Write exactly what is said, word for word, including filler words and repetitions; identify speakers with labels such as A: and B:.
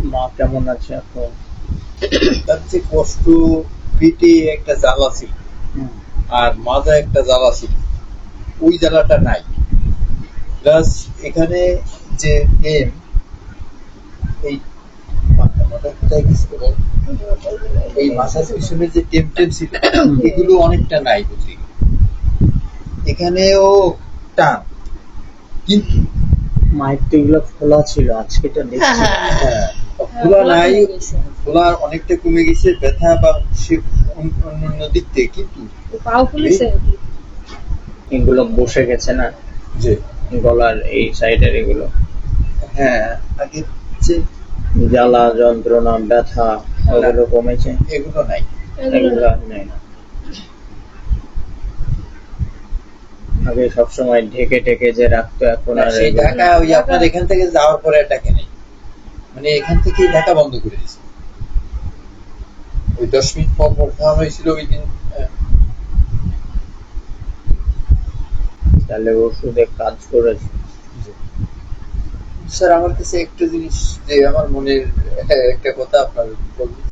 A: মা কেমন আছে এখন?
B: তার যে কষ্ট, পেটে একটা জ্বালা ছিল আর মাথায় একটা জ্বালা ছিল, ওই জ্বালাটা নাই। প্লাস এখানে যে টেম, এই মাথাটা কোথায় গেছিল বল? এই মাথার পিছনে যে টেম টেম ছিল, এগুলো অনেকটা নাই বুঝলি। এখানেও টান, কিন্তু
A: মায়ের তো এগুলো খোলা ছিল, আজকে তো দেখছি
B: হ্যাঁ, খোলা নাই, খোলা অনেকটা কমে গেছে ব্যথা বা সে অন্য অন্য দিক থেকে, কিন্তু
C: পাও ফুলেছে
A: এগুলো বসে গেছে না,
B: যে
A: গলার এই সাইডের এগুলো
B: হ্যাঁ আগের যে
A: জ্বালা যন্ত্রণা ব্যথা ওগুলো কমেছে,
B: এগুলো নাই।
A: এগুলো আর নেই না। আগে সবসময় ঢেকে ঢেকে যে রাখতো, এখন
B: না,
A: আর
B: সেই
A: এগুলো
B: ঢাকা ওই আপনার এখান থেকে যাওয়ার পরে আর ডাকে নেই, মানে এখান থেকে ঢাকা বন্ধ করে দিয়েছে। ওই দশ মিনিট পর পর খাওয়া হয়েছিল ওই দিন। আহ,
A: তাহলে ওষুধে কাজ করেছে।
B: স্যার আমার কাছে একটা জিনিস, যে আমার মনের একটা কথা আপনার বলবো।